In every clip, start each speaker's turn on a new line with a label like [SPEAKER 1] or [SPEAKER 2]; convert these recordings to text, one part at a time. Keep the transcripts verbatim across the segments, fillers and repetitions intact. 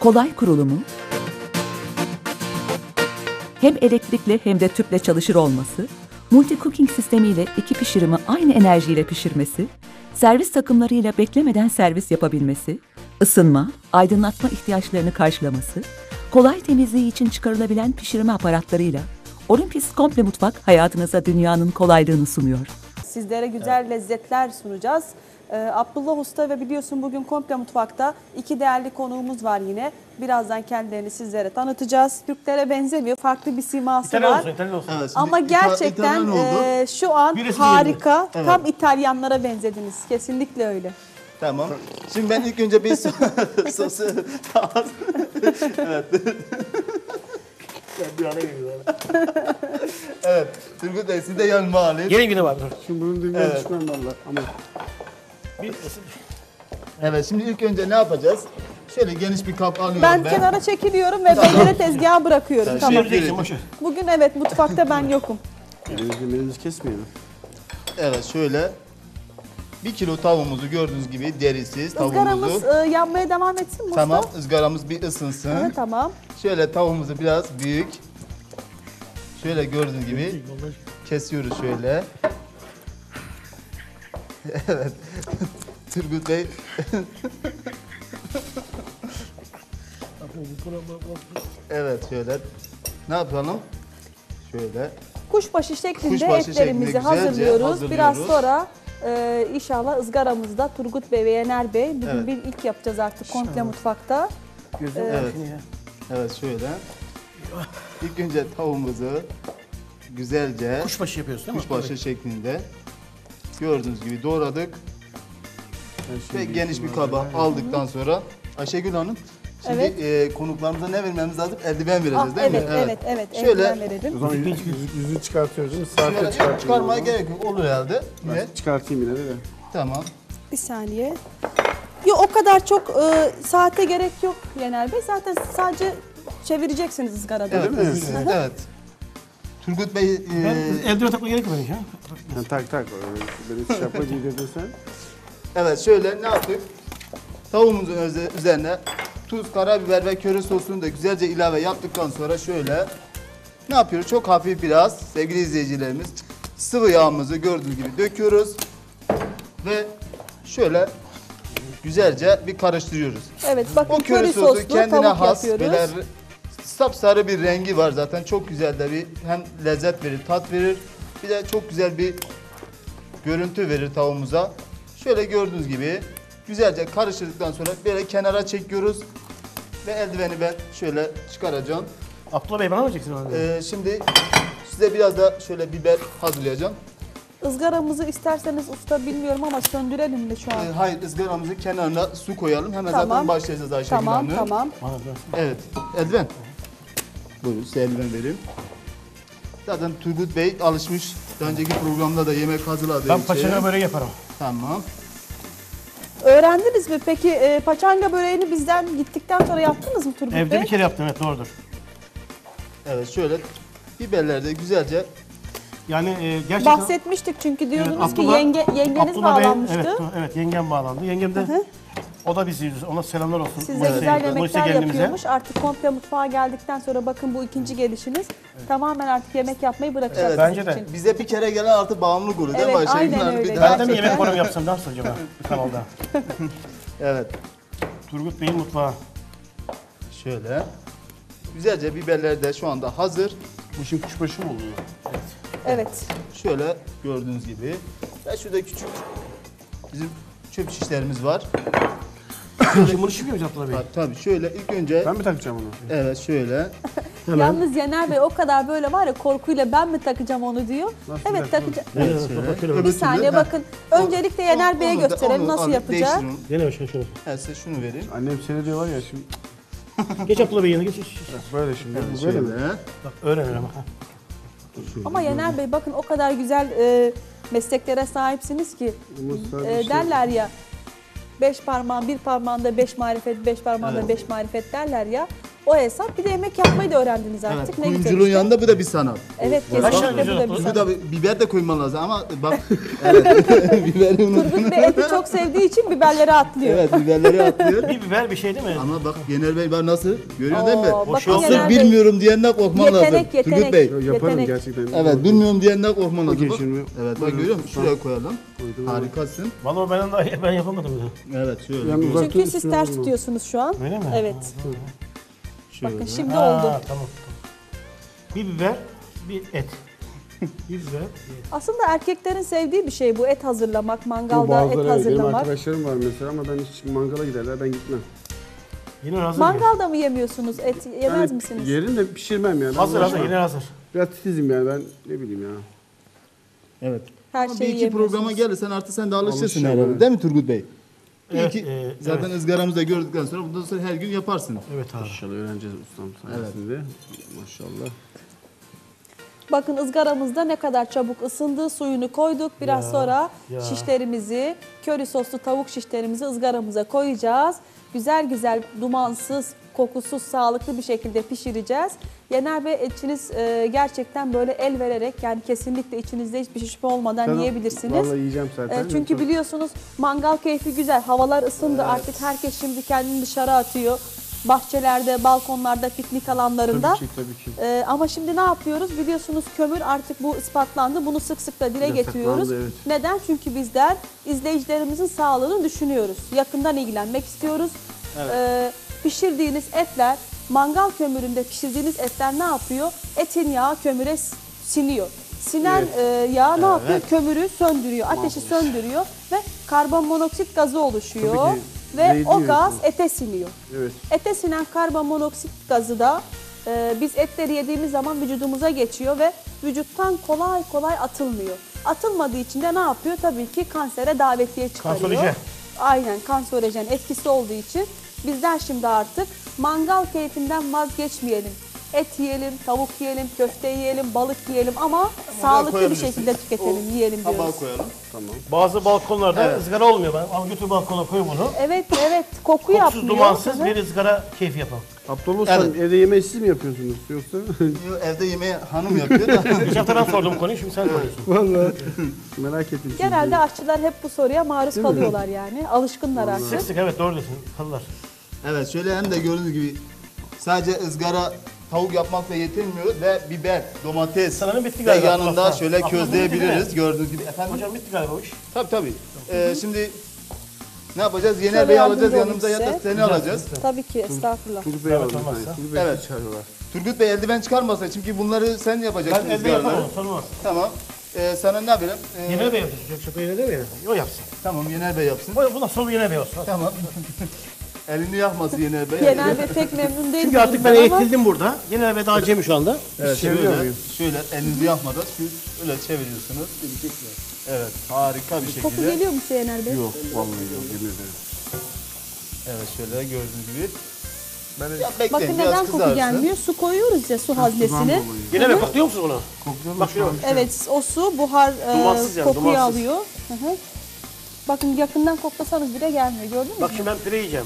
[SPEAKER 1] kolay kurulumu, hem elektrikli hem de tüple çalışır olması, multi cooking sistemiyle iki pişirimi aynı enerjiyle pişirmesi, servis takımlarıyla beklemeden servis yapabilmesi, ısınma, aydınlatma ihtiyaçlarını karşılaması, kolay temizliği için çıkarılabilen pişirme aparatlarıyla Olympus Komple Mutfak hayatınıza dünyanın kolaylığını sunuyor.
[SPEAKER 2] Sizlere güzel evet. lezzetler sunacağız. Ee, Abdullah Usta ve biliyorsun bugün Komple Mutfak'ta iki değerli konuğumuz var yine. Birazdan kendilerini sizlere tanıtacağız. Türklere benzemiyor, farklı bir siması
[SPEAKER 3] İtalyan
[SPEAKER 2] var.
[SPEAKER 3] olsun, İtalyan olsun.
[SPEAKER 4] Evet,
[SPEAKER 2] ama gerçekten e, şu an Birisi harika, evet. tam İtalyanlara benzediniz. Kesinlikle öyle.
[SPEAKER 4] Tamam. Şimdi ben ilk önce bir sosu... evet. evet. Turgut Bey siz de yanıma alayım.
[SPEAKER 3] Gelin güne var.
[SPEAKER 5] Şimdi bunun düğmeye
[SPEAKER 4] evet.
[SPEAKER 5] düşmem valla. Ama...
[SPEAKER 3] Bir...
[SPEAKER 4] Evet şimdi ilk önce ne yapacağız? Şöyle geniş bir kap alıyorum
[SPEAKER 2] ben.
[SPEAKER 4] Ben
[SPEAKER 2] kenara çekiliyorum ve beylere tezgaha bırakıyorum.
[SPEAKER 4] Yani
[SPEAKER 2] tamam.
[SPEAKER 4] Şey,
[SPEAKER 2] Bugün evet mutfakta ben yokum.
[SPEAKER 5] Elimizi elimizi kesmeyelim.
[SPEAKER 4] Evet şöyle bir kilo tavuğumuzu gördüğünüz gibi derisiz tavuğumuzu.
[SPEAKER 2] Izgaramız e, yanmaya devam etsin mi
[SPEAKER 4] Tamam
[SPEAKER 2] usta?
[SPEAKER 4] ızgaramız bir ısınsın.
[SPEAKER 2] Evet, tamam.
[SPEAKER 4] Şöyle tavuğumuzu biraz büyük. Şöyle gördüğünüz gibi kesiyoruz şöyle. Evet. Turgut Bey. evet şöyle. Ne yapalım? Şöyle.
[SPEAKER 2] Kuşbaşı şeklinde
[SPEAKER 4] Kuşbaşı
[SPEAKER 2] etlerimizi
[SPEAKER 4] şeklinde
[SPEAKER 2] hazırlıyoruz.
[SPEAKER 4] hazırlıyoruz.
[SPEAKER 2] Biraz sonra e, inşallah ızgaramızda Turgut Bey ve Yener Bey bugün
[SPEAKER 4] Evet.
[SPEAKER 2] bir ilk yapacağız artık Komple Mutfak'ta.
[SPEAKER 3] Gözüm
[SPEAKER 4] evet. Evet şöyle. İlk önce tavuğumuzu güzelce
[SPEAKER 3] kuşbaşı yapıyorsun değil mi?
[SPEAKER 4] Kuşbaşı
[SPEAKER 3] evet.
[SPEAKER 4] şeklinde gördüğünüz gibi doğradık.
[SPEAKER 5] Ve
[SPEAKER 4] Ve geniş bir kaba aldıktan sonra Ayşegül Hanım şimdi
[SPEAKER 2] Evet.
[SPEAKER 4] e, konuklarımıza ne vermemiz lazım? Eldiven vereceğiz
[SPEAKER 2] Ah,
[SPEAKER 4] değil
[SPEAKER 2] evet,
[SPEAKER 4] mi?
[SPEAKER 2] evet, evet, evet.
[SPEAKER 4] Şöyle-
[SPEAKER 2] Eldiven verelim.
[SPEAKER 5] O zaman yüzü, yüzü çıkartıyoruz değil mi? Saate
[SPEAKER 4] Şöyle
[SPEAKER 5] çıkartıyoruz.
[SPEAKER 4] çıkarmaya gerek yok. Olur herhalde.
[SPEAKER 5] Ben
[SPEAKER 4] Yine.
[SPEAKER 5] çıkartayım yine de. de.
[SPEAKER 4] Tamam.
[SPEAKER 2] Bir saniye. Yok o kadar çok e, saate gerek yok Yener Bey. Zaten sadece çevireceksiniz ızgarada.
[SPEAKER 4] Evet.
[SPEAKER 5] mi?
[SPEAKER 4] Evet. evet. Turgut Bey e,
[SPEAKER 3] Ben eldiven takma gerek yok ya.
[SPEAKER 5] Yani tak tak. Beni şapka giydirdin sen.
[SPEAKER 4] evet şöyle ne yaptık? Tavuğumuzun öze- üzerine tuz, karabiber ve köri sosunu da güzelce ilave yaptıktan sonra şöyle ne yapıyoruz? Çok hafif biraz sevgili izleyicilerimiz sıvı yağımızı gördüğünüz gibi döküyoruz ve şöyle güzelce bir karıştırıyoruz.
[SPEAKER 2] Evet bakın
[SPEAKER 4] O köri
[SPEAKER 2] köri
[SPEAKER 4] sosu
[SPEAKER 2] soslu
[SPEAKER 4] kendine
[SPEAKER 2] tavuk
[SPEAKER 4] has
[SPEAKER 2] yapıyoruz.
[SPEAKER 4] böyle sapsarı bir rengi var zaten. Çok güzel de bir hem lezzet verir, tat verir. Bir de çok güzel bir görüntü verir tavuğumuza. Şöyle gördüğünüz gibi güzelce karıştırdıktan sonra böyle kenara çekiyoruz. Ve eldiveni ben şöyle çıkaracağım.
[SPEAKER 3] Abdullah Bey bana mı vereceksin onu?
[SPEAKER 4] Ee, şimdi size biraz da şöyle biber hazırlayacağım.
[SPEAKER 2] Izgaramızı isterseniz usta bilmiyorum ama söndürelim mi şu an?
[SPEAKER 4] Ee, hayır ızgaramızın kenarına su koyalım. Hemen
[SPEAKER 2] Tamam.
[SPEAKER 4] zaten başlayacağız Ayşegül
[SPEAKER 2] Tamam
[SPEAKER 4] Hanım.
[SPEAKER 2] tamam.
[SPEAKER 4] Evet. Eldiven. Buyurun size eldiven vereyim. Zaten Turgut Bey alışmış. Daha önceki programda da yemek hazırladığı
[SPEAKER 3] Ben
[SPEAKER 4] için.
[SPEAKER 3] paçanga böreği yaparım.
[SPEAKER 4] Tamam.
[SPEAKER 2] Öğrendiniz mi? Peki e, paçanga böreğini bizden gittikten sonra yaptınız mı Turgut
[SPEAKER 3] Evde
[SPEAKER 2] Bey?
[SPEAKER 3] bir kere yaptım evet doğrudur.
[SPEAKER 4] Evet şöyle biberleri de güzelce
[SPEAKER 3] Yani e, gerçekten...
[SPEAKER 2] Bahsetmiştik çünkü diyordunuz
[SPEAKER 3] Evet,
[SPEAKER 2] ki
[SPEAKER 3] Abdullah-
[SPEAKER 2] yenge, yengeniz
[SPEAKER 3] Abdullah Bey-
[SPEAKER 2] bağlanmıştı.
[SPEAKER 3] evet, evet yengem bağlandı. Yengem de
[SPEAKER 2] hı.
[SPEAKER 3] o da bizi yüzüyor. Ona selamlar olsun.
[SPEAKER 2] Size
[SPEAKER 3] Moise-
[SPEAKER 2] güzel
[SPEAKER 3] Moise
[SPEAKER 2] yemekler
[SPEAKER 3] gelinimize.
[SPEAKER 2] yapıyormuş. Artık komple mutfağa geldikten sonra bakın bu ikinci gelişiniz. Tamamen artık yemek yapmayı bırakacak
[SPEAKER 4] Evet.
[SPEAKER 2] sizin
[SPEAKER 3] Bence de.
[SPEAKER 2] için.
[SPEAKER 4] bize bir kere gelen artık bağımlılık oluyor değil mi
[SPEAKER 2] Evet,
[SPEAKER 4] Ayşegül
[SPEAKER 2] aynen
[SPEAKER 4] Hanım?
[SPEAKER 2] öyle.
[SPEAKER 4] Bir daha-
[SPEAKER 3] Ben de mi
[SPEAKER 2] Gerçekten.
[SPEAKER 3] yemek programı yapsam nasıl acaba bir kanalda?
[SPEAKER 4] Evet.
[SPEAKER 3] Turgut Bey'in mutfağı.
[SPEAKER 4] Şöyle. Güzelce biberler de şu anda hazır.
[SPEAKER 5] Bu şimdi kuşbaşı mı oluyor?
[SPEAKER 2] Evet.
[SPEAKER 4] Şöyle gördüğünüz gibi. Ve şurada küçük bizim çöp şişlerimiz var.
[SPEAKER 3] Şimdi bunu şişmiyor muyuz Abdullah Bey?
[SPEAKER 4] Ha, tabii şöyle ilk önce
[SPEAKER 5] Ben mi takacağım onu?
[SPEAKER 4] evet şöyle.
[SPEAKER 2] Yalnız Yener Bey o kadar böyle var ya korkuyla ben mi takacağım onu diyor.
[SPEAKER 5] Nasıl
[SPEAKER 2] evet
[SPEAKER 5] bir-
[SPEAKER 2] takacağım.
[SPEAKER 4] Evet,
[SPEAKER 3] Evet,
[SPEAKER 4] şöyle.
[SPEAKER 3] bakıyorum.
[SPEAKER 4] Öbür
[SPEAKER 2] Bir
[SPEAKER 4] türlü-
[SPEAKER 2] saniye
[SPEAKER 4] Ha,
[SPEAKER 2] bakın. Öncelikle Yener Bey'e
[SPEAKER 4] onu da-
[SPEAKER 2] gösterelim
[SPEAKER 4] onu
[SPEAKER 2] nasıl
[SPEAKER 4] alayım,
[SPEAKER 2] yapacak.
[SPEAKER 4] değiştirin.
[SPEAKER 3] Gene şunu şunu.
[SPEAKER 4] Ben size şunu vereyim.
[SPEAKER 5] Annem seni diyor var ya şimdi.
[SPEAKER 3] Geç Abdullah Bey yanına geç. geç, geç.
[SPEAKER 5] Böyle şimdi.
[SPEAKER 4] Evet,
[SPEAKER 5] bu böyle
[SPEAKER 4] şöyle.
[SPEAKER 5] mi?
[SPEAKER 3] Bak öğren öyle ama.
[SPEAKER 2] Ama Yener Bey bakın o kadar güzel e, mesleklere sahipsiniz ki
[SPEAKER 5] Bunu sadece
[SPEAKER 2] e,
[SPEAKER 5] şey-
[SPEAKER 2] derler ya beş parmağın bir parmağında beş marifet, beş parmağında
[SPEAKER 4] Evet.
[SPEAKER 2] beş marifet derler ya. O hesap. Bir de yemek yapmayı da öğrendiniz
[SPEAKER 4] Evet,
[SPEAKER 2] artık. Ne güzel
[SPEAKER 4] kuyumculuğun
[SPEAKER 2] işte.
[SPEAKER 4] yanında bu da bir sanat.
[SPEAKER 2] Evet,
[SPEAKER 3] Kaç tane
[SPEAKER 2] kesinlikle bu
[SPEAKER 3] güzel
[SPEAKER 2] da bir
[SPEAKER 3] yapılır?
[SPEAKER 4] Bu
[SPEAKER 2] sanat.
[SPEAKER 4] da biber de koyman lazım ama bak evet biberi unuttum.
[SPEAKER 2] Turgut Bey eti çok sevdiği için biberleri atlıyor.
[SPEAKER 4] Evet biberleri atlıyor.
[SPEAKER 3] Bir biber bir şey değil mi?
[SPEAKER 4] Ama bak Yener Bey bak nasıl görüyor değil mi?
[SPEAKER 2] Oo, bakın
[SPEAKER 3] şey
[SPEAKER 4] Asıl
[SPEAKER 2] Yener Bey,
[SPEAKER 4] bilmiyorum diyenden korkman lazım.
[SPEAKER 2] Yetenek,
[SPEAKER 4] Turgut
[SPEAKER 2] yetenek.
[SPEAKER 4] Bey.
[SPEAKER 5] Yo, yaparım
[SPEAKER 2] Yetenek.
[SPEAKER 5] gerçekten.
[SPEAKER 4] Evet bilmiyorum diyenden korkman lazım.
[SPEAKER 5] Okey,
[SPEAKER 4] Bak.
[SPEAKER 5] şimdi-
[SPEAKER 4] Evet bak
[SPEAKER 5] Buyurun.
[SPEAKER 4] görüyor musun? Şuraya koyalım.
[SPEAKER 5] Koydum.
[SPEAKER 4] Harikasın.
[SPEAKER 3] Vallahi benden daha iyi ben yapamadım bile.
[SPEAKER 4] Evet şöyle.
[SPEAKER 5] Yani uzak-
[SPEAKER 2] Çünkü siz
[SPEAKER 5] Üstüne
[SPEAKER 2] ters
[SPEAKER 5] vurma.
[SPEAKER 2] tutuyorsunuz şu an.
[SPEAKER 3] Öyle mi?
[SPEAKER 2] Evet.
[SPEAKER 4] şöyle.
[SPEAKER 2] Bakın şimdi
[SPEAKER 3] Ha,
[SPEAKER 2] oldu.
[SPEAKER 3] Tamam. Bir biber, bir et. Bir biber, bir et.
[SPEAKER 2] Aslında erkeklerin sevdiği bir şey bu. Et hazırlamak,
[SPEAKER 5] Bu
[SPEAKER 2] mangalda
[SPEAKER 5] bazıları
[SPEAKER 2] et
[SPEAKER 5] evet, benim
[SPEAKER 2] hazırlamak.
[SPEAKER 5] arkadaşlarım var mesela ama ben hiç mangala giderler ben gitmem.
[SPEAKER 3] Yine hazır.
[SPEAKER 2] Mangalda mı yemiyorsunuz? Et yemez
[SPEAKER 5] Yani
[SPEAKER 2] misiniz?
[SPEAKER 5] Yerim de pişirmem yani.
[SPEAKER 3] Hazır hazır,
[SPEAKER 5] Uğraşmam.
[SPEAKER 3] yine hazır.
[SPEAKER 5] Biraz titizim yani ben ne bileyim ya.
[SPEAKER 4] Evet.
[SPEAKER 2] Her
[SPEAKER 4] Ama bir
[SPEAKER 2] şeyi
[SPEAKER 4] iki
[SPEAKER 2] yemiyorsunuz.
[SPEAKER 4] programa gelirsen artık sen de alışırsın
[SPEAKER 5] Alışacağım,
[SPEAKER 4] herhalde
[SPEAKER 5] evet.
[SPEAKER 4] değil mi Turgut Bey? Bir
[SPEAKER 3] Evet,
[SPEAKER 4] iki,
[SPEAKER 3] e,
[SPEAKER 4] zaten
[SPEAKER 3] evet.
[SPEAKER 4] ızgaramızda gördükten sonra bundan sonra her gün yaparsın.
[SPEAKER 3] Evet abi.
[SPEAKER 5] İnşallah öğreneceğiz ustam sayesinde. Maşallah.
[SPEAKER 2] Bakın ızgaramızda ne kadar çabuk ısındı. Suyunu koyduk. Biraz
[SPEAKER 3] Ya,
[SPEAKER 2] sonra
[SPEAKER 3] ya.
[SPEAKER 2] şişlerimizi, köri soslu tavuk şişlerimizi ızgaramıza koyacağız. Güzel güzel dumansız, kokusuz, sağlıklı bir şekilde pişireceğiz. Yener Bey etçiniz e, gerçekten böyle el vererek yani kesinlikle içinizde hiçbir şüphe olmadan
[SPEAKER 5] Ben-
[SPEAKER 2] yiyebilirsiniz.
[SPEAKER 5] Vallahi yiyeceğim zaten.
[SPEAKER 2] E, çünkü biliyorsunuz mangal keyfi güzel. Havalar ısındı artık herkes şimdi kendini dışarı atıyor. Bahçelerde, balkonlarda, piknik alanlarında.
[SPEAKER 5] Tabii ki tabii ki.
[SPEAKER 2] Ee, ama şimdi ne yapıyoruz? Biliyorsunuz kömür artık bu ispatlandı. Bunu sık sık da dile
[SPEAKER 5] Yasaklandı,
[SPEAKER 2] getiriyoruz.
[SPEAKER 5] evet.
[SPEAKER 2] Neden? Çünkü bizler izleyicilerimizin sağlığını düşünüyoruz. Yakından ilgilenmek istiyoruz. Ee, pişirdiğiniz etler, mangal kömüründe pişirdiğiniz etler ne yapıyor? Etin yağı kömüre s- siniyor. Sinen e, yağ ne yapıyor? Kömürü söndürüyor, ateşi söndürüyor ve karbonmonoksit gazı oluşuyor.
[SPEAKER 5] Tabii ki.
[SPEAKER 2] Ve
[SPEAKER 5] Zehirli
[SPEAKER 2] o gaz
[SPEAKER 5] yiyorsunuz.
[SPEAKER 2] ete siniyor.
[SPEAKER 5] Evet.
[SPEAKER 2] Ete sinen karbonmonoksit gazı da e, biz etleri yediğimiz zaman vücudumuza geçiyor ve vücuttan kolay kolay atılmıyor. Atılmadığı için de ne yapıyor? Tabii ki kansere davetiye çıkarıyor.
[SPEAKER 3] Kanserojen.
[SPEAKER 2] Aynen kanserojen etkisi olduğu için bizler şimdi artık mangal keyfinden vazgeçmeyelim. Et yiyelim, tavuk yiyelim, köfte yiyelim, balık yiyelim ama sağlıklı bir
[SPEAKER 4] koyabilirsin.
[SPEAKER 2] şekilde tüketelim, yiyelim
[SPEAKER 4] Tabağa
[SPEAKER 2] diyoruz.
[SPEAKER 4] koyalım.
[SPEAKER 5] Tamam.
[SPEAKER 3] Bazı balkonlarda
[SPEAKER 4] Evet.
[SPEAKER 3] ızgara olmuyor. Ben al götür balkona koy bunu.
[SPEAKER 2] Evet, evet. Koku
[SPEAKER 3] Kokusuz,
[SPEAKER 2] yapmıyor.
[SPEAKER 3] dumansız
[SPEAKER 2] Hı hı.
[SPEAKER 3] bir ızgara keyfi yapalım.
[SPEAKER 5] Abdullah Usta
[SPEAKER 4] Evet.
[SPEAKER 5] evde yemeği siz mi yapıyorsunuz yoksa?
[SPEAKER 4] Yo, evde yemeği hanım yapıyor da.
[SPEAKER 3] Geçen hafta ben sordum konuyu, şimdi sen soruyorsun.
[SPEAKER 5] Vallahi merak ettim. çünkü.
[SPEAKER 2] Genelde aşçılar hep bu soruya maruz
[SPEAKER 5] mi?
[SPEAKER 2] kalıyorlar yani. Alışkınlar artık.
[SPEAKER 3] Sık sık evet doğru diyorsun. Kalırlar.
[SPEAKER 4] Evet şöyle hem de gördüğünüz gibi sadece ızgara tavuk yapmakla yetinmiyoruz ve biber, domates
[SPEAKER 3] Sanırım bitti
[SPEAKER 4] ve
[SPEAKER 3] galiba.
[SPEAKER 4] yanında
[SPEAKER 3] Abla,
[SPEAKER 4] şöyle
[SPEAKER 3] abla,
[SPEAKER 4] közleyebiliriz
[SPEAKER 3] bitti
[SPEAKER 4] gördüğünüz gibi. Efendim?
[SPEAKER 3] Hocam bitti galiba o iş.
[SPEAKER 4] Tabii tabii. Ee, şimdi ne yapacağız? Yener
[SPEAKER 2] Şöyle
[SPEAKER 4] Bey'i
[SPEAKER 2] yardımcı
[SPEAKER 4] alacağız
[SPEAKER 2] olayım
[SPEAKER 4] yanımıza ya da
[SPEAKER 2] size.
[SPEAKER 4] seni
[SPEAKER 3] Güzel,
[SPEAKER 4] alacağız.
[SPEAKER 3] güzel.
[SPEAKER 2] Tabii ki estağfurullah.
[SPEAKER 5] Turgut Bey
[SPEAKER 3] Evet,
[SPEAKER 5] aldı.
[SPEAKER 3] olmazsa.
[SPEAKER 5] Turgut Bey
[SPEAKER 4] Evet.
[SPEAKER 5] çağırıyorlar.
[SPEAKER 4] Turgut Bey eldiven çıkarmasa çünkü bunları sen yapacaksın
[SPEAKER 3] Ben elde
[SPEAKER 4] ızgaraları.
[SPEAKER 3] yapamam, sorulmaz.
[SPEAKER 4] Tamam. Ee, sana ne yapayım? Ee,
[SPEAKER 3] Yener Bey yapsın. Çok çok öyle değil mi? O yapsın.
[SPEAKER 4] Tamam Yener Bey yapsın.
[SPEAKER 3] O, bundan sonra Yener Bey olsun.
[SPEAKER 4] Tamam. Elini yakmasın Yener Bey.
[SPEAKER 2] Yener Bey pek memnun değil.
[SPEAKER 3] Çünkü artık ben
[SPEAKER 2] bundan ama
[SPEAKER 3] eğitildim burada. Yener Bey daha acemi şu anda.
[SPEAKER 4] Evet,
[SPEAKER 5] Çeviriyor
[SPEAKER 4] şöyle,
[SPEAKER 5] muyum?
[SPEAKER 4] şöyle elinizi yakmadan siz öyle çeviriyorsunuz. Evet, harika bir
[SPEAKER 2] koku
[SPEAKER 4] şekilde.
[SPEAKER 2] geliyor mu size Yener Bey?
[SPEAKER 5] Yok vallahi yok yemin ederim.
[SPEAKER 4] Evet, şöyle gördüğünüz gibi.
[SPEAKER 5] Ben de
[SPEAKER 4] Ya bekleyin,
[SPEAKER 2] Bakın
[SPEAKER 4] biraz
[SPEAKER 2] neden koku
[SPEAKER 4] kızarsın.
[SPEAKER 2] gelmiyor? Su koyuyoruz ya su haznesine.
[SPEAKER 3] Yener Bey kokluyor musunuz bunu?
[SPEAKER 5] kokuyor
[SPEAKER 3] Bak şöyle.
[SPEAKER 2] Evet o su buhar e,
[SPEAKER 3] Dumansız yani,
[SPEAKER 2] kokuyu
[SPEAKER 3] dumansız.
[SPEAKER 2] alıyor. Hı hı. Bakın yakından koklasanız bile gelmiyor gördün mü?
[SPEAKER 3] Bak şimdi ben pire yiyeceğim.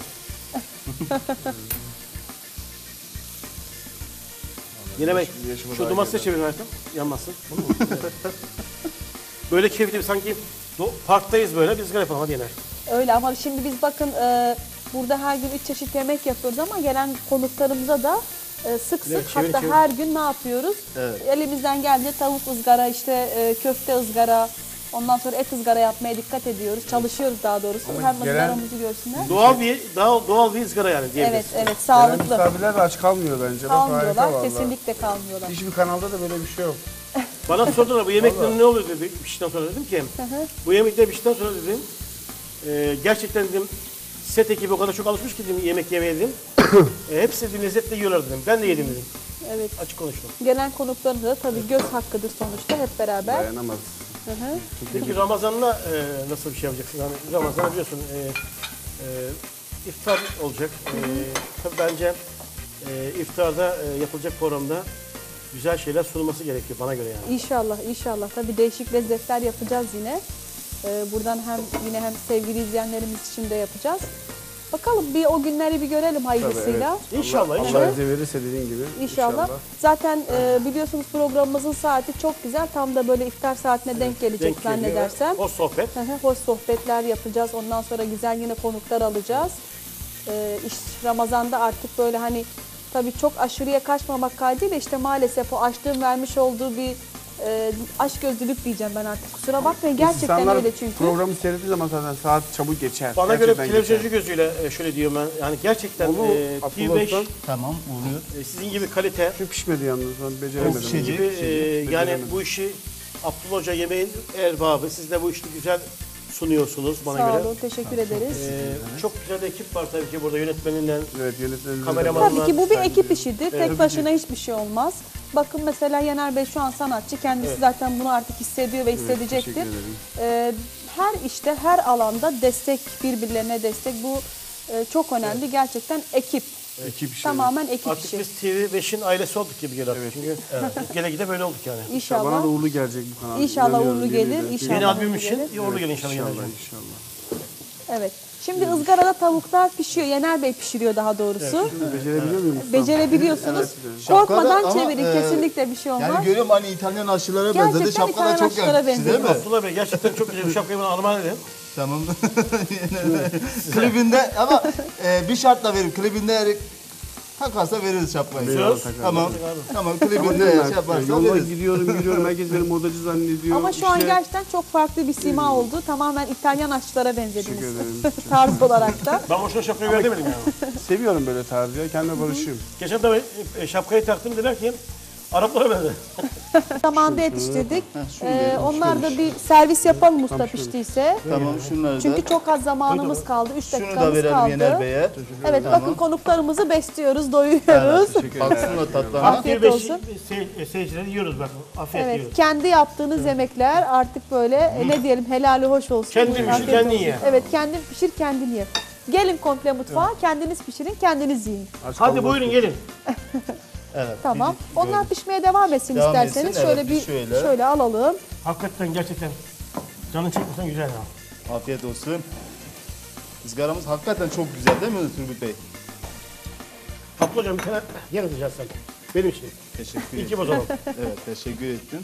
[SPEAKER 3] Yener Bey, şu domatesi çevir hayatım. Yanmasın. Bunu mu? Evet. Böyle keyifli sanki do- parktayız böyle. Biz ızgara yapalım hadi Yener.
[SPEAKER 2] Öyle ama şimdi biz bakın e, burada her gün üç çeşit yemek yapıyoruz ama gelen konuklarımıza da e, sık sık
[SPEAKER 3] Evet, çevir,
[SPEAKER 2] hatta
[SPEAKER 3] çevir.
[SPEAKER 2] her gün ne yapıyoruz?
[SPEAKER 4] Evet.
[SPEAKER 2] Elimizden geldiğince tavuk ızgara, işte e, köfte ızgara, ondan sonra et ızgara yapmaya dikkat ediyoruz. Çalışıyoruz daha doğrusu. Hem
[SPEAKER 5] gelen-
[SPEAKER 2] ızgaramızı görsünler.
[SPEAKER 3] Doğal bir daha doğal bir ızgara yani
[SPEAKER 2] Evet,
[SPEAKER 3] diyebiliriz.
[SPEAKER 2] evet
[SPEAKER 5] Gelen
[SPEAKER 2] sağlıklı.
[SPEAKER 5] misafirler de aç kalmıyor bence. Bak, harika
[SPEAKER 2] Kalmıyorlar,
[SPEAKER 5] vallahi.
[SPEAKER 2] kesinlikle kalmıyorlar.
[SPEAKER 5] Hiçbir kanalda da böyle bir şey yok.
[SPEAKER 3] Bana sordular bu yemeklerin ne oluyor dedi piştikten sonra dedim ki
[SPEAKER 2] Hı hı.
[SPEAKER 3] bu yemekler piştikten sonra dedim e, gerçekten dedim set ekibi o kadar çok alışmış ki dedim yemek yemeye dedim. e, hepsi dedim lezzetle yiyorlar dedim. Ben de yedim dedim.
[SPEAKER 2] Evet.
[SPEAKER 3] Açık konuştum.
[SPEAKER 2] Gelen konuklarımıza da tabii göz hakkıdır sonuçta hep beraber.
[SPEAKER 5] Dayanamaz.
[SPEAKER 2] Hı hı.
[SPEAKER 3] Peki Ramazan'la e, nasıl bir şey yapacaksın? Hani Ramazan biliyorsun e, e, iftar olacak. E, tabii bence e, iftarda e, yapılacak programda güzel şeyler sunulması gerekiyor bana göre yani.
[SPEAKER 2] İnşallah, inşallah. Tabii değişik lezzetler yapacağız yine. Ee, buradan hem yine hem sevgili izleyenlerimiz için de yapacağız. Bakalım bir o günleri bir görelim hayırlısıyla.
[SPEAKER 3] İnşallah,
[SPEAKER 5] Allah
[SPEAKER 3] inşallah.
[SPEAKER 5] izin verirse dediğin gibi.
[SPEAKER 2] İnşallah. Zaten e, biliyorsunuz programımızın saati çok güzel. Tam da böyle iftar saatine denk gelecek
[SPEAKER 3] Denk geliyor.
[SPEAKER 2] zannedersem.
[SPEAKER 3] O sohbet.
[SPEAKER 2] Hı hı, Hoş sohbetler yapacağız. Ondan sonra güzel yine konuklar alacağız. Ee, iş Ramazan'da artık böyle hani tabii çok aşırıya kaçmamak kaydıyla işte maalesef o açlığın vermiş olduğu bir e, açgözlülük diyeceğim ben artık. Kusura bakmayın gerçekten
[SPEAKER 5] İnsanlar
[SPEAKER 2] öyle çünkü.
[SPEAKER 5] programı seyrettiği zaman zaten saat çabuk geçer.
[SPEAKER 3] Bana göre
[SPEAKER 5] Gerçekten
[SPEAKER 3] televizyoncu
[SPEAKER 5] geçer.
[SPEAKER 3] gözüyle e, şöyle diyorum ben. Yani gerçekten
[SPEAKER 5] Onu
[SPEAKER 3] e, T V beş
[SPEAKER 5] Abdullah
[SPEAKER 4] Tamam oluyor.
[SPEAKER 3] e, sizin gibi kalite,
[SPEAKER 5] Şu pişmedi yalnız ben beceremedim.
[SPEAKER 4] Pişecek.
[SPEAKER 3] gibi e, yani
[SPEAKER 5] Beceremedim.
[SPEAKER 3] bu işi Abdullah Hoca yemeğin erbabı. Siz de bu işi güzel sunuyorsunuz bana
[SPEAKER 2] Sağ
[SPEAKER 3] göre.
[SPEAKER 2] olun, teşekkür ederiz.
[SPEAKER 3] E, çok güzel de ekip var tabii ki burada yönetmeninden.
[SPEAKER 5] Evet yönetmenimiz.
[SPEAKER 3] Kameraman-
[SPEAKER 2] Tabii ki bu bir
[SPEAKER 5] Saygı
[SPEAKER 2] ekip
[SPEAKER 5] duyuyorum.
[SPEAKER 2] işidir. Tek başına hiçbir şey olmaz. Bakın mesela Yener Bey şu an sanatçı. Kendisi
[SPEAKER 3] Evet.
[SPEAKER 2] zaten bunu artık hissediyor ve
[SPEAKER 5] teşekkür
[SPEAKER 2] hissedecektir.
[SPEAKER 5] ederim.
[SPEAKER 2] Ee, her işte, her alanda destek, birbirlerine destek. Bu e, çok önemli. Gerçekten ekip.
[SPEAKER 5] Ekip işi.
[SPEAKER 2] Tamamen ekip
[SPEAKER 3] Artık
[SPEAKER 2] işi.
[SPEAKER 3] biz T V beşin ailesi olduk gibi geliyor. artık. Çünkü gele gide böyle olduk yani.
[SPEAKER 2] İnşallah.
[SPEAKER 5] Bana da uğurlu gelecek bu kanal.
[SPEAKER 2] İnşallah
[SPEAKER 5] İnanıyorum,
[SPEAKER 2] uğurlu
[SPEAKER 5] yemin
[SPEAKER 2] gelir,
[SPEAKER 5] ederim.
[SPEAKER 2] inşallah.
[SPEAKER 3] Yeni
[SPEAKER 2] Tamam,
[SPEAKER 3] albüm
[SPEAKER 2] uğurlu
[SPEAKER 3] için
[SPEAKER 2] gelir.
[SPEAKER 3] iyi uğurlu gelin inşallah.
[SPEAKER 5] İnşallah
[SPEAKER 3] Yener'cim.
[SPEAKER 5] inşallah.
[SPEAKER 2] Evet. Şimdi ızgarada tavuklar pişiyor. Yener Bey pişiriyor daha doğrusu.
[SPEAKER 5] Becerebiliyor muyum? ustam?
[SPEAKER 2] Becerebiliyorsunuz.
[SPEAKER 4] Şapkada
[SPEAKER 2] Korkmadan
[SPEAKER 4] ama,
[SPEAKER 2] çevirin.
[SPEAKER 4] e,
[SPEAKER 2] Kesinlikle bir şey olmaz.
[SPEAKER 4] Yani görüyorum hani İtalyan aşçılara benzedi.
[SPEAKER 2] Gerçekten
[SPEAKER 4] Şapka da
[SPEAKER 2] İtalyan
[SPEAKER 4] çok
[SPEAKER 2] aşçılara
[SPEAKER 4] yakıştı değil mi?
[SPEAKER 2] benziyor.
[SPEAKER 3] Abdullah Bey gerçekten çok güzel bir şapkayı bana armağan edin.
[SPEAKER 4] Tamam. Klibinde ama e, bir şartla verin. Klibinde eğer takarsa veririz şapkayı.
[SPEAKER 5] Eyvallah,
[SPEAKER 3] Söz.
[SPEAKER 5] takarım.
[SPEAKER 4] Tamam. Tamam
[SPEAKER 5] Ama
[SPEAKER 4] klibinde
[SPEAKER 5] diyorum
[SPEAKER 4] eğer
[SPEAKER 5] ben,
[SPEAKER 4] şey yaparsa
[SPEAKER 5] yolda
[SPEAKER 4] veririz.
[SPEAKER 5] gidiyorum gidiyorum herkes beni modacı zannediyor.
[SPEAKER 2] Ama şu an
[SPEAKER 5] İşte-
[SPEAKER 2] gerçekten çok farklı bir sima oldu. Tamamen İtalyan aşçılara benzediniz.
[SPEAKER 5] Teşekkür ederim.
[SPEAKER 2] Tarz olarak da.
[SPEAKER 3] Ben boşuna şapkayı ver demedim yani.
[SPEAKER 5] Seviyorum böyle tarzı ya. Kendime barışıyorum.
[SPEAKER 3] Geçen de e, şapkayı taktım dediler ki Araplara benzer.
[SPEAKER 2] Zamanında yetiştirdik.
[SPEAKER 4] şunu
[SPEAKER 2] Ee,
[SPEAKER 4] verelim,
[SPEAKER 2] onlar da bir servis yapalım usta piştiyse.
[SPEAKER 4] Tamam şunları da.
[SPEAKER 2] Çünkü çok az zamanımız kaldı. üç
[SPEAKER 4] Şunu da
[SPEAKER 2] dakikamız
[SPEAKER 4] verelim Yener
[SPEAKER 2] kaldı.
[SPEAKER 4] Bey'e.
[SPEAKER 2] Evet
[SPEAKER 4] Tamam.
[SPEAKER 2] bakın konuklarımızı besliyoruz, doyuruyoruz.
[SPEAKER 4] Baksın o tatlarına.
[SPEAKER 2] Afiyet
[SPEAKER 3] T V beş
[SPEAKER 2] olsun.
[SPEAKER 3] sey- seyircileri yiyoruz bak. Afiyet
[SPEAKER 2] Evet,
[SPEAKER 3] yiyoruz.
[SPEAKER 2] kendi yaptığınız yemekler artık böyle e, ne diyelim helali hoş olsun.
[SPEAKER 3] Kendin pişir,
[SPEAKER 2] Afiyet
[SPEAKER 3] kendin
[SPEAKER 2] olsun.
[SPEAKER 3] ye.
[SPEAKER 2] Evet, kendin pişir, kendin ye. Gelin komple mutfağa, kendiniz pişirin, kendiniz yiyin.
[SPEAKER 5] Aç
[SPEAKER 3] Hadi
[SPEAKER 5] kalmak
[SPEAKER 3] buyurun
[SPEAKER 5] yok.
[SPEAKER 3] gelin.
[SPEAKER 4] Evet.
[SPEAKER 2] Tamam. Onlar pişmeye devam etsin
[SPEAKER 4] Devam
[SPEAKER 2] isterseniz.
[SPEAKER 4] etsin,
[SPEAKER 2] Şöyle
[SPEAKER 4] evet,
[SPEAKER 2] bir
[SPEAKER 4] biz şöyle.
[SPEAKER 2] şöyle alalım.
[SPEAKER 3] Hakikaten gerçekten canın çekmesen güzel ya.
[SPEAKER 4] Afiyet olsun. Izgaramız hakikaten çok güzel değil mi Turgut Bey?
[SPEAKER 3] Abdullah hocam bir tane yer atacağız sen. Benim için.
[SPEAKER 4] Teşekkür
[SPEAKER 3] İyi ki
[SPEAKER 4] ederim.
[SPEAKER 3] bozalım.
[SPEAKER 4] Evet teşekkür ettim.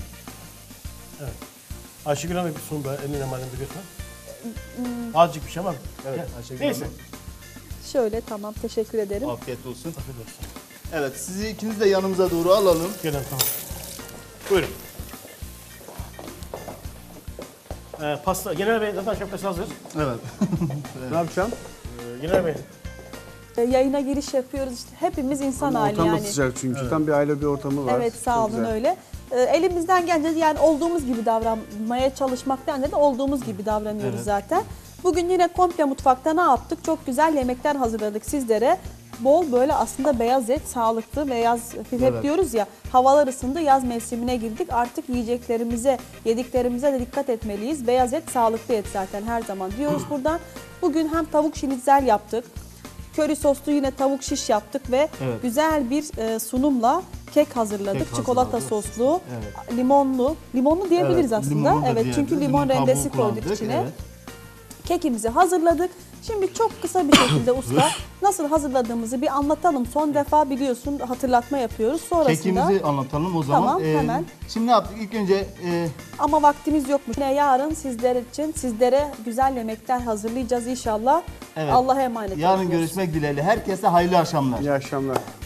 [SPEAKER 3] Ayşegül Hanım bir sunum da eline malum biliyorsun. Azıcık bir şey ama.
[SPEAKER 4] Evet,
[SPEAKER 3] Ya,
[SPEAKER 4] Ayşegül
[SPEAKER 3] Neyse.
[SPEAKER 4] Hanım.
[SPEAKER 2] Şöyle tamam, teşekkür ederim.
[SPEAKER 4] Afiyet olsun.
[SPEAKER 3] Afiyet olsun.
[SPEAKER 4] Evet sizi ikiniz de yanımıza doğru alalım.
[SPEAKER 3] Gelin tamam. Buyurun. Ee, pasta, Genel Bey zaten şapkası hazır.
[SPEAKER 4] Evet.
[SPEAKER 5] Ne yapacağım?
[SPEAKER 3] Ee, Genel Bey,
[SPEAKER 2] Ee, Yayına giriş yapıyoruz işte. Hepimiz insan hali
[SPEAKER 5] Ortam da
[SPEAKER 2] yani.
[SPEAKER 5] sıcak çünkü. Tam bir aile bir ortamı var.
[SPEAKER 2] Evet sağ
[SPEAKER 5] Çok
[SPEAKER 2] olun
[SPEAKER 5] güzel.
[SPEAKER 2] öyle. Ee, elimizden gelince yani olduğumuz gibi davranmaya çalışmaktan da olduğumuz gibi davranıyoruz zaten. Bugün yine komple mutfakta ne yaptık? Çok güzel yemekler hazırladık sizlere. Bol böyle aslında beyaz et, sağlıklı ve yaz, hep
[SPEAKER 4] Evet.
[SPEAKER 2] diyoruz ya havalar ısındı, yaz mevsimine girdik. Artık yiyeceklerimize, yediklerimize de dikkat etmeliyiz. Beyaz et sağlıklı et zaten her zaman diyoruz buradan. Bugün hem tavuk şinitzel yaptık. Köri soslu yine tavuk şiş yaptık ve
[SPEAKER 4] Evet.
[SPEAKER 2] güzel bir e, sunumla kek hazırladık.
[SPEAKER 4] Kek
[SPEAKER 2] Çikolata
[SPEAKER 4] hazırladık.
[SPEAKER 2] soslu,
[SPEAKER 4] Evet.
[SPEAKER 2] limonlu. Limonlu diyebiliriz
[SPEAKER 4] Evet,
[SPEAKER 2] aslında.
[SPEAKER 4] limonlu da
[SPEAKER 2] Evet çünkü
[SPEAKER 4] diyebiliriz.
[SPEAKER 2] limon
[SPEAKER 4] Limon
[SPEAKER 2] rendesi
[SPEAKER 4] kabuğu
[SPEAKER 2] koyduk
[SPEAKER 4] kullandık,
[SPEAKER 2] içine.
[SPEAKER 4] evet.
[SPEAKER 2] Kekimizi hazırladık. Şimdi çok kısa bir şekilde usta nasıl hazırladığımızı bir anlatalım. Son defa biliyorsun hatırlatma yapıyoruz. Sonrasında
[SPEAKER 4] Kekimizi anlatalım o zaman.
[SPEAKER 2] Tamam, hemen.
[SPEAKER 4] Şimdi ne yaptık? İlk önce e,
[SPEAKER 2] ama vaktimiz yokmuş. Yine yarın sizler için sizlere güzel yemekler hazırlayacağız inşallah.
[SPEAKER 4] Evet.
[SPEAKER 2] Allah'a emanet
[SPEAKER 4] yarın
[SPEAKER 2] olun.
[SPEAKER 4] görüşmek dileğiyle. Herkese hayırlı akşamlar.
[SPEAKER 5] İyi akşamlar.